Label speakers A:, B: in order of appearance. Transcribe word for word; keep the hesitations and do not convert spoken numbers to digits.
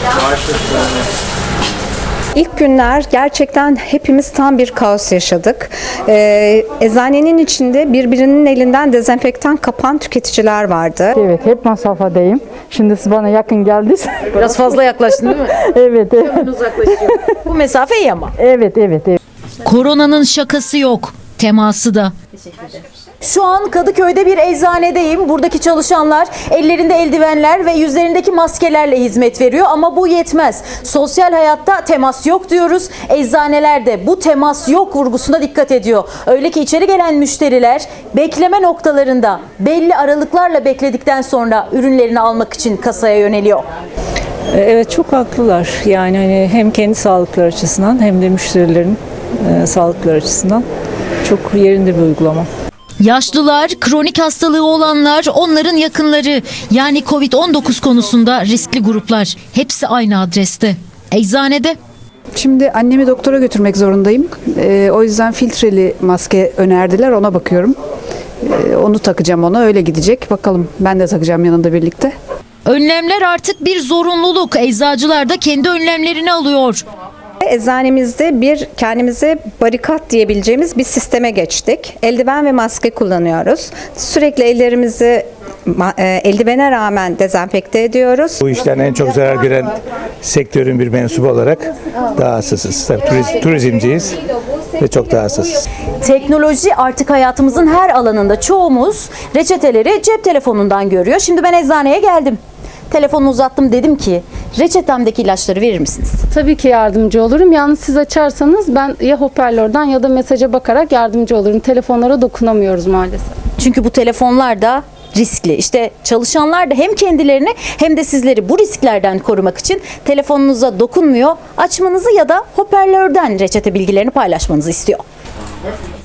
A: İlk günler gerçekten hepimiz tam bir kaos yaşadık. Ee, eczanenin içinde birbirinin elinden dezenfektan kapan tüketiciler vardı.
B: Evet, hep mesafedeyim. Şimdi siz bana yakın geldiniz.
C: Biraz fazla yaklaştın değil mi?
B: Evet, evet.
C: Hemen uzaklaşıyor. Bu mesafe iyi ama.
B: Evet, evet, evet.
D: Koronanın şakası yok, teması da.
C: Şu an Kadıköy'de bir eczanedeyim. Buradaki çalışanlar ellerinde eldivenler ve yüzlerindeki maskelerle hizmet veriyor ama bu yetmez. Sosyal hayatta temas yok diyoruz. Eczanelerde bu temas yok vurgusuna dikkat ediyor. Öyle ki içeri gelen müşteriler bekleme noktalarında belli aralıklarla bekledikten sonra ürünlerini almak için kasaya yöneliyor.
E: Evet, çok haklılar. Yani hani hem kendi sağlıkları açısından hem de müşterilerin e, sağlıkları açısından çok yerinde bir uygulama.
D: Yaşlılar, kronik hastalığı olanlar, onların yakınları, yani kovid on dokuz konusunda riskli gruplar. Hepsi aynı adreste. Eczanede.
F: Şimdi annemi doktora götürmek zorundayım. Ee, o yüzden filtreli maske önerdiler. Ona bakıyorum. Ee, onu takacağım ona. Öyle gidecek. Bakalım, ben de takacağım yanında birlikte.
D: Önlemler artık bir zorunluluk. Eczacılar da kendi önlemlerini alıyor.
A: Eczanemizde bir kendimize barikat diyebileceğimiz bir sisteme geçtik. Eldiven ve maske kullanıyoruz. Sürekli ellerimizi eldivene rağmen dezenfekte ediyoruz.
G: Bu işten en çok zarar gören sektörün bir mensubu olarak daha hassasız. Tabii turiz, turizmciyiz ve çok daha hassasız.
C: Teknoloji artık hayatımızın her alanında. Çoğumuz reçeteleri cep telefonundan görüyor. Şimdi ben eczaneye geldim. Telefonu uzattım, dedim ki reçetemdeki ilaçları verir misiniz?
H: Tabii ki yardımcı olurum. Yalnız siz açarsanız ben ya hoparlörden ya da mesaja bakarak yardımcı olurum. Telefonlara dokunamıyoruz maalesef.
C: Çünkü bu telefonlar da riskli. İşte çalışanlar da hem kendilerini hem de sizleri bu risklerden korumak için telefonunuza dokunmuyor, açmanızı ya da hoparlörden reçete bilgilerini paylaşmanızı istiyor.